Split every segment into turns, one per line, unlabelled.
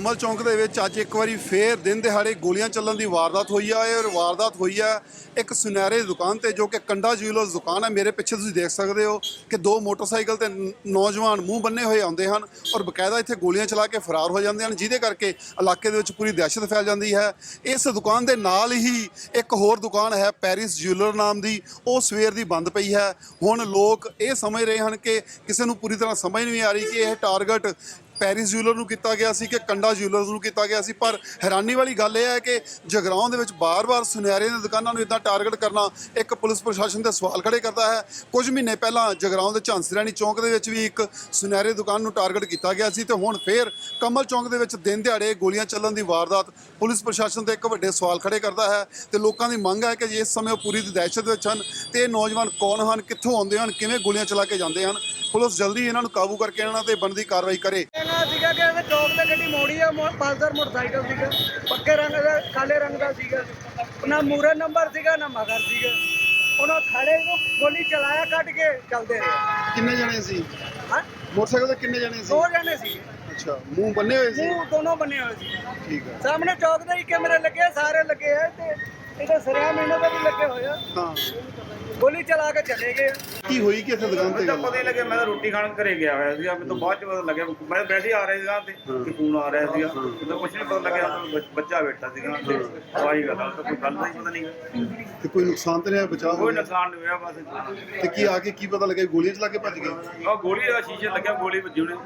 ਕਮਲ ਚੌਂਕ ਦੇ ਵਿੱਚ ਅੱਜ ਇੱਕ ਵਾਰੀ ਫੇਰ ਦਿਨ ਦਿਹਾੜੇ ਗੋਲੀਆਂ ਚੱਲਣ ਦੀ ਵਾਰਦਾਤ ਹੋਈ ਆ ਔਰ ਵਾਰਦਾਤ ਹੋਈ ਆ ਇੱਕ ਸੁਨਹਿਰੇ ਦੁਕਾਨ ਤੇ ਜੋ ਕਿ ਕੰਡਾ ਜਿਊਲਰਸ ਦੁਕਾਨ ਹੈ। ਮੇਰੇ ਪਿੱਛੇ ਤੁਸੀਂ ਦੇਖ ਸਕਦੇ ਹੋ ਕਿ ਦੋ ਮੋਟਰਸਾਈਕਲ ਤੇ ਨੌਜਵਾਨ ਮੂੰਹ ਬੰਨੇ ਹੋਏ ਆਉਂਦੇ ਹਨ ਔਰ ਬਕਾਇਦਾ ਇੱਥੇ ਗੋਲੀਆਂ ਚਲਾ ਕੇ ਫਰਾਰ ਹੋ ਜਾਂਦੇ ਹਨ, ਜਿਹਦੇ ਕਰਕੇ ਇਲਾਕੇ ਦੇ ਵਿੱਚ ਪੂਰੀ ਦਹਿਸ਼ਤ ਫੈਲ ਜਾਂਦੀ ਹੈ। ਇਸ ਦੁਕਾਨ ਦੇ ਨਾਲ ਹੀ ਇੱਕ ਹੋਰ ਦੁਕਾਨ ਹੈ ਪੈਰਿਸ ਜਿਊਲਰ ਨਾਮ ਦੀ, ਉਹ ਸਵੇਰ ਦੀ ਬੰਦ ਪਈ ਹੈ। ਹੁਣ ਲੋਕ ਇਹ ਸਮਝ ਰਹੇ ਹਨ ਕਿ ਕਿਸੇ ਨੂੰ ਪੂਰੀ ਤਰ੍ਹਾਂ ਸਮਝ ਨਹੀਂ ਆ ਰਹੀ ਕਿ ਇਹ ਟਾਰਗੇਟ ਪੈਰਿਸ ਜਿਊਲਰ ਨੂੰ ਕੀਤਾ ਗਿਆ ਸੀ ਕਿ ਕੰਡਾ ਜਿਊਲਰਸ ਨੂੰ ਕੀਤਾ ਗਿਆ ਸੀ। ਪਰ ਹੈਰਾਨੀ ਵਾਲੀ ਗੱਲ ਇਹ ਹੈ ਕਿ ਜਗਰਾਉਂ ਦੇ ਵਿੱਚ ਬਾਰ-ਬਾਰ ਸੁਨਿਆਰੇ ਦੀਆਂ ਦੁਕਾਨਾਂ ਨੂੰ ਇੱਦਾਂ ਟਾਰਗੇਟ ਕਰਨਾ ਇੱਕ ਪੁਲਿਸ ਪ੍ਰਸ਼ਾਸਨ ਦੇ ਸਵਾਲ ਖੜੇ ਕਰਦਾ ਹੈ। ਕੁਝ ਮਹੀਨੇ ਪਹਿਲਾਂ ਜਗਰਾਉਂ ਦੇ ਝਾਂਸੀ ਰਾਣੀ ਚੌਂਕ ਦੇ ਵਿੱਚ ਵੀ ਇੱਕ ਸੁਨਿਆਰੇ ਦੁਕਾਨ ਨੂੰ ਟਾਰਗੇਟ ਕੀਤਾ ਗਿਆ ਸੀ ਤੇ ਹੁਣ ਫੇਰ ਕਮਲ ਚੌਂਕ ਦੇ ਵਿੱਚ ਦਿਨ ਦਿਹਾੜੇ ਗੋਲੀਆਂ ਚੱਲਣ ਦੀ ਵਾਰਦਾਤ ਪੁਲਿਸ ਪ੍ਰਸ਼ਾਸਨ ਤੇ ਇੱਕ ਵੱਡੇ ਸਵਾਲ ਖੜੇ ਕਰਦਾ ਹੈ ਤੇ ਲੋਕਾਂ ਦੀ ਮੰਗ ਹੈ ਕਿ ਜੇ ਇਸ ਸਮੇਂ ਉਹ ਪੂਰੀ ਦਹਿਸ਼ਤ ਵਿੱਚ ਹਨ ਤੇ ਇਹ ਨੌਜਵਾਨ ਕੌਣ ਹਨ, ਕਿੱਥੋਂ ਆਉਂਦੇ ਹਨ, ਕਿਵੇਂ ਗੋਲੀਆਂ ਚਲਾ ਕੇ ਜਾਂਦੇ ਹਨ। ਪੁਲਿਸ ਜਲਦੀ ਇਹਨਾਂ ਨੂੰ ਕਾਬੂ ਕਰਕੇ ਇਹਨਾਂ ਤੇ ਬਣਦੀ ਕਾਰਵਾਈ ਕਰੇ।
ਸੀਗਾ ਕਿ ਇਹ ਚੌਕ ਤੇ ਗੱਡੀ ਮੋੜੀ ਆ, ਪਲਸਰ ਮੋਟਰਸਾਈਕਲ ਸੀਗਾ, ਪੱਕੇ ਰੰਗ ਦਾ ਕਾਲੇ ਰੰਗ ਦਾ ਸੀਗਾ, ਨਾ ਮੂਰੇ ਨੰਬਰ ਸੀਗਾ ਨਾ ਮਗਰ ਸੀਗਾ। ਉਹਨਾਂ ਖੜੇ ਨੂੰ ਗੋਲੀ ਚਲਾਇਆ, ਕੱਢ ਕੇ ਚੱਲਦੇ ਰਹੇ।
ਕਿੰਨੇ ਜਣੇ ਸੀ?
ਹਾਂ,
ਮੋਟਰਸਾਈਕਲ ਤੇ ਕਿੰਨੇ ਜਣੇ ਸੀ?
ਦੋ ਜਣੇ ਸੀ।
ਅੱਛਾ, ਮੂੰਹ ਬੰਨੇ ਹੋਏ ਸੀ?
ਮੂੰਹ ਦੋਨੋਂ ਬੰਨੇ ਹੋਏ ਸੀ।
ਠੀਕ ਹੈ।
ਸਾਹਮਣੇ ਚੌਕ ਦੇ ਹੀ ਕੈਮਰੇ ਲੱਗੇ, ਸਾਰੇ ਲੱਗੇ ਆ ਤੇ ਇਹਦੇ ਸਰਿਆਮ ਇਹਨਾਂ ਦੇ ਵੀ ਲੱਗੇ ਹੋਏ ਆ।
ਹਾਂ,
ਗੋਲੀ ਚਲਾ ਕੇ ਚਲੇ ਗਏ।
ਕੀ ਹੋਈ ਕਿ ਇੱਥੇ ਦੁਕਾਨ ਤੇ?
ਤਾਂ ਪਤਾ ਹੀ ਲੱਗਿਆ, ਮੈਂ ਤਾਂ ਰੋਟੀ ਖਾਣ ਘਰੇ ਗਿਆ ਹੋਇਆ ਸੀਗਾ। ਮੈਨੂੰ ਬਾਅਦ ਚ ਪਤਾ ਲੱਗਿਆ, ਮੈਂ ਵੈਸੇ ਆ ਰਿਹਾ ਸੀਗਾ ਤੇ ਫੋਨ ਆ ਰਿਹਾ ਸੀਗਾ। ਮੈਨੂੰ ਕੁਝ ਨਹੀਂ ਪਤਾ ਲੱਗਿਆ, ਬੱਚਾ ਬੈਠਾ ਸੀਗਾ ਤੇ ਆਹੀ ਗੱਲ ਆ, ਕੋਈ ਗੱਲ ਦਾ ਹੀ ਪਤਾ ਨਹੀਂ।
ਤੇ ਕੋਈ ਨੁਕਸਾਨ ਤੇ ਨਹੀਂ ਹੋਇਆ? ਬਚਾਅ
ਕੋਈ ਨੁਕਸਾਨ ਨਹੀਂ ਹੋਇਆ ਬਸ।
ਤੇ ਕੀ ਆ ਕੇ ਕੀ ਪਤਾ ਲੱਗਿਆ? ਗੋਲੀਆਂ ਚਲਾ ਕੇ ਭੱਜ ਗਏ?
ਆਹ ਗੋਲੀ ਦਾ ਸ਼ੀਸ਼ੇ ਲੱਗਿਆ, ਗੋਲੀ ਵੱਜੀ ਉਹਨੇ।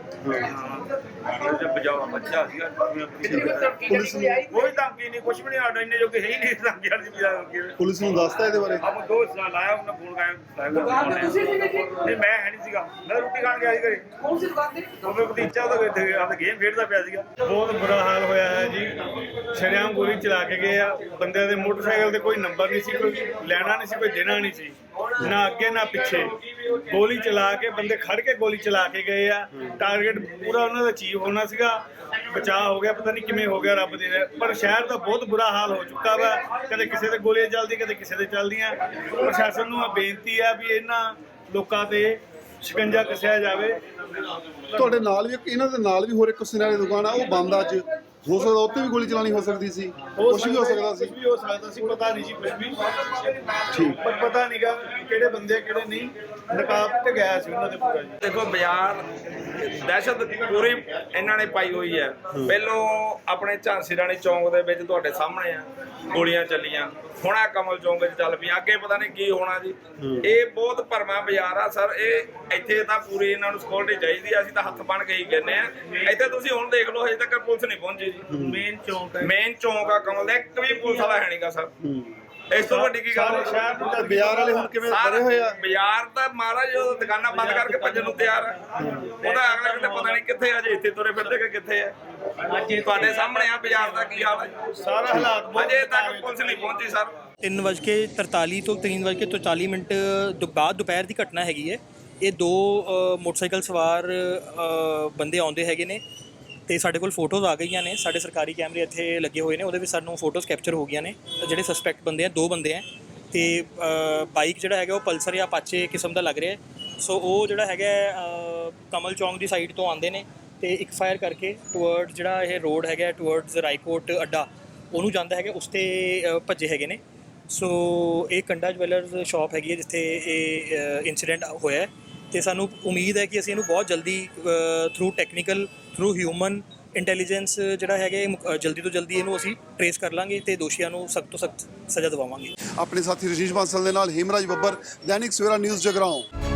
ਤੇ ਬਚਾਵਾ ਬੱਚਾ ਸੀਗਾ।
ਪੁਲਿਸ ਨੂੰ
ਕੋਈ ਧਮਕੀ ਨਹੀਂ, ਕੁਝ ਵੀ ਨਹੀਂ। ਆਡਾ ਇੰਨੇ ਜੋ ਕਿ ਹੈ ਹੀ ਨਹੀਂ ਧਮਕੀ ਵਾਲੀ ਵੀ।
ਪੁਲਿਸ ਨੂੰ ਦੱਸਤਾ ਇਹਦੇ ਬਾਰੇ?
ਆਪਾਂ ਦੋ ਸਾਲ ਲਾਇਆ, ਉਹਨੇ ਫੋਨ ਨਹੀਂ, ਮੈਂ ਹੈ ਨਹੀਂ ਸੀਗਾ, ਮੈਂ ਰੋਟੀ ਖਾਣ ਗਿਆ ਸੀ ਘਰੇ। ਕੌਣ ਸੀ ਦੁਕਾਨ ਤੇ? ਉਹ ਭਤੀਜਾ ਉਹਦਾ ਗੇਮ ਖੇਡਦਾ ਪਿਆ ਸੀਗਾ।
ਬਹੁਤ ਬੁਰਾ ਹਾਲ ਹੋਇਆ ਹੈ ਜੀ। ਸ਼ਰੇਆਮ ਗੋਲੀ ਚਲਾ ਕੇ ਗਏ ਆ। ਬੰਦਿਆਂ ਦੇ ਮੋਟਰਸਾਈਕਲ ਤੇ ਕੋਈ ਨੰਬਰ ਨਹੀਂ ਸੀ, ਕੋਈ ਲੈਣਾ ਨਹੀਂ ਸੀ, ਕੋਈ ਦੇਣਾ ਨਹੀਂ ਸੀ, ਨਾ ਅੱਗੇ ਨਾ ਪਿੱਛੇ। ਗੋਲੀ ਚਲਾ ਕੇ ਬੰਦੇ ਖੜ ਕੇ ਗੋਲੀ ਚਲਾ ਕੇ ਗਏ ਆ। ਟਾਰਗੇਟ ਪੂਰਾ ਉਹਨਾਂ ਦਾ ਅਚੀਵ ਹੋਣਾ ਸੀਗਾ, ਬਚਾਅ ਹੋ ਗਿਆ। ਪਤਾ ਨਹੀਂ ਕਿਵੇਂ ਹੋ ਗਿਆ, ਰੱਬ ਦੀ ਰਹਿ। ਪਰ ਸ਼ਹਿਰ ਦਾ ਬਹੁਤ ਬੁਰਾ ਹਾਲ ਹੋ ਚੁੱਕਾ ਵਾ। ਕਦੇ ਕਿਸੇ ਦੇ ਗੋਲੀਆਂ ਚੱਲਦੀ, ਕਦੇ ਕਿਸੇ ਦੇ ਚੱਲਦੀਆਂ। ਪ੍ਰਸ਼ਾਸਨ ਨੂੰ ਬੇਨਤੀ ਆ ਵੀ ਇਹਨਾਂ ਲੋਕਾਂ ਤੇ ਸ਼ਿਕੰਜਾ ਕੱਸਿਆ ਜਾਵੇ।
ਤੁਹਾਡੇ ਨਾਲ ਵੀ ਇਹਨਾਂ ਦੇ ਨਾਲ ਵੀ ਹੋਰ ਇੱਕ ਸੁਨਿਆਰੇ ਦੁਕਾਨ ਆ, ਉਹ ਬੰਦ ਆ। ਅੱਜ ਹੋ ਸਕਦਾ ਉੱਥੇ ਵੀ ਗੋਲੀ ਚਲਾਣੀ ਹੋ ਸਕਦੀ ਸੀ, ਕੁਛ ਵੀ ਹੋ ਸਕਦਾ ਸੀ।
ਕੁਝ ਵੀ ਹੋ ਸਕਦਾ ਸੀ, ਪਤਾ ਨਹੀਂ ਸੀ ਕੁਝ ਵੀ।
ਠੀਕ,
ਪਰ ਪਤਾ ਨਹੀਂਗਾ ਕਿਹੜੇ ਬੰਦੇ ਕਿਹੜੇ ਨਹੀਂ। ਨਕਾਬ ਤੇ ਗਿਆ ਸੀ ਉਹਨਾਂ ਦੇ ਪੂਰਾ ਜੀ।
ਦੇਖੋ ਬਾਜ਼ਾਰ ਦਹਿਸ਼ਤ ਪੂਰੀ ਇਹਨਾਂ ਨੇ ਪਾਈ ਹੋਈ ਹੈ। ਪਹਿਲੋਂ ਆਪਣੇ ਝਾਂਸੀ ਰਾਣੀ ਚੌਂਕ ਦੇ ਵਿੱਚ ਤੁਹਾਡੇ ਸਾਹਮਣੇ ਆ ਗੋਲੀਆਂ ਚੱਲੀਆਂ, ਹੁਣ ਆ ਕਮਲ ਚੌਂਕ ਵਿੱਚ ਚੱਲ ਪਈਆਂ। ਅੱਗੇ ਪਤਾ ਨਹੀਂ ਕੀ ਹੋਣਾ ਜੀ। ਇਹ ਬਹੁਤ ਭਰਵਾਂ ਬਾਜ਼ਾਰ ਆ ਸਰ। ਇਹ ਇੱਥੇ ਤਾਂ ਪੂਰੀ ਇਹਨਾਂ ਨੂੰ ਸਿਕਿਉਰਿਟੀ ਚਾਹੀਦੀ ਆ। ਅਸੀਂ ਤਾਂ ਹੱਥ ਬਣ ਕੇ ਹੀ ਕਹਿੰਦੇ ਆ। ਇੱਥੇ ਤੁਸੀਂ ਹੁਣ ਦੇਖ ਲਓ, ਹਜੇ ਤੱਕ ਪੁਲਿਸ ਨਹੀਂ ਪਹੁੰਚੀ ਜੀ। ਮੇਨ ਚੌਂਕ ਆ ਕਮਲ ਦਾ, ਇੱਕ ਵੀ ਪੁਲਿਸ ਵਾਲਾ ਹੈ ਨਹੀਂਗਾ ਸਰ। ਇਸ ਤੋਂ ਵੱਡੀ ਕੀ ਗੱਲ?
ਸ਼ਹਿਰ ਨੂੰ ਤਾਂ
ਬਾਜ਼ਾਰ ਵਾਲੇ ਹੁਣ ਕਿਵੇਂ ਬਣੇ ਹੋਏ ਆ?
ਬਾਜ਼ਾਰ ਤਾਂ ਮਹਾਰਾਜ ਜਦੋਂ ਦੁਕਾਨਾਂ ਬੰਦ ਕਰਕੇ ਭੱਜਣ ਨੂੰ ਤਿਆਰ ਆ। ਉਹਦਾ ਅਗਲਾ ਕਿਤੇ ਪਤਾ ਨਹੀਂ ਕਿੱਥੇ ਆ, ਜੇ ਇੱਥੇ ਤੁਰੇ ਫਿਰਦੇ ਕਿ ਕਿੱਥੇ ਆ। ਤੁਹਾਡੇ ਸਾਹਮਣੇ ਆ ਬਾਜ਼ਾਰ ਦਾ ਕੀ ਹਾਲ ਹੈ।
ਸਾਰਾ ਹਾਲਾਤ
ਅਜੇ ਤੱਕ ਪੁਲਿਸ ਨਹੀਂ ਪਹੁੰਚੀ ਸਰ।
3:43 ਤੋਂ 3:43 ਬਾਅਦ ਦੁਪਹਿਰ ਦੀ ਘਟਨਾ ਹੈਗੀ ਹੈ। ਇਹ ਦੋ ਮੋਟਰਸਾਈਕਲ ਸਵਾਰ ਬੰਦੇ ਆਉਂਦੇ ਹੈਗੇ ਨੇ ਤੇ ਸਾਡੇ ਕੋਲ ਫੋਟੋਜ਼ ਆ ਗਈਆਂ ਨੇ। ਸਾਡੇ ਸਰਕਾਰੀ ਕੈਮਰੇ ਇੱਥੇ ਲੱਗੇ ਹੋਏ ਨੇ, ਉਹਦੇ ਵਿੱਚ ਸਾਨੂੰ ਫੋਟੋਜ਼ ਕੈਪਚਰ ਹੋ ਗਈਆਂ ਨੇ। ਜਿਹੜੇ ਸਸਪੈਕਟ ਬੰਦੇ ਆ, ਦੋ ਬੰਦੇ ਆ ਤੇ ਬਾਈਕ ਜਿਹੜਾ ਹੈਗਾ ਉਹ ਪਲਸਰ ਜਾਂ ਅਪਾਚੇ ਕਿਸਮ ਦਾ ਲੱਗ ਰਿਹਾ। ਸੋ ਉਹ ਜਿਹੜਾ ਹੈਗਾ ਕਮਲ ਚੌਂਕ ਦੀ ਸਾਈਡ ਤੋਂ ਆਉਂਦੇ ਨੇ ਤੇ ਇੱਕ ਫਾਇਰ ਕਰਕੇ ਟੁਵਰਡਸ ਜਿਹੜਾ ਇਹ ਰੋਡ ਹੈਗਾ ਟੁਵਰਡਸ ਰਾਈਕੋਟ ਅੱਡਾ ਉਹਨੂੰ ਜਾਂਦਾ ਹੈਗਾ, ਉਸ 'ਤੇ ਭੱਜੇ ਹੈਗੇ ਨੇ। ਸੋ ਇਹ ਕੰਡਾ ਜਵੈਲਰਸ ਸ਼ਾਪ ਹੈਗੀ ਹੈ ਜਿੱਥੇ ਇਹ ਇਨਸੀਡੈਂਟ ਹੋਇਆ ਤੇ ਸਾਨੂੰ ਉਮੀਦ ਹੈ ਕਿ ਅਸੀਂ ਇਹਨੂੰ ਬਹੁਤ ਜਲਦੀ through technical, through human intelligence ਜਿਹੜਾ ਹੈਗਾ ਜਲਦੀ ਤੋਂ ਜਲਦੀ ਇਹਨੂੰ ਅਸੀਂ ਟਰੇਸ ਕਰ ਲਾਂਗੇ ਤੇ ਦੋਸ਼ੀਆਂ ਨੂੰ ਸਖਤ ਤੋਂ ਸਖਤ ਸਜ਼ਾ ਦਿਵਾਵਾਂਗੇ।
ਆਪਣੇ ਸਾਥੀ ਰਜੀਸ਼ ਬਾਂਸਲ ਦੇ ਨਾਲ ਹੀਮਰਾਜ ਬੱਬਰ, ਦੈਨਿਕ ਸਵੇਰਾ ਨਿਊਜ਼ ਜਗਰਾਉਂ।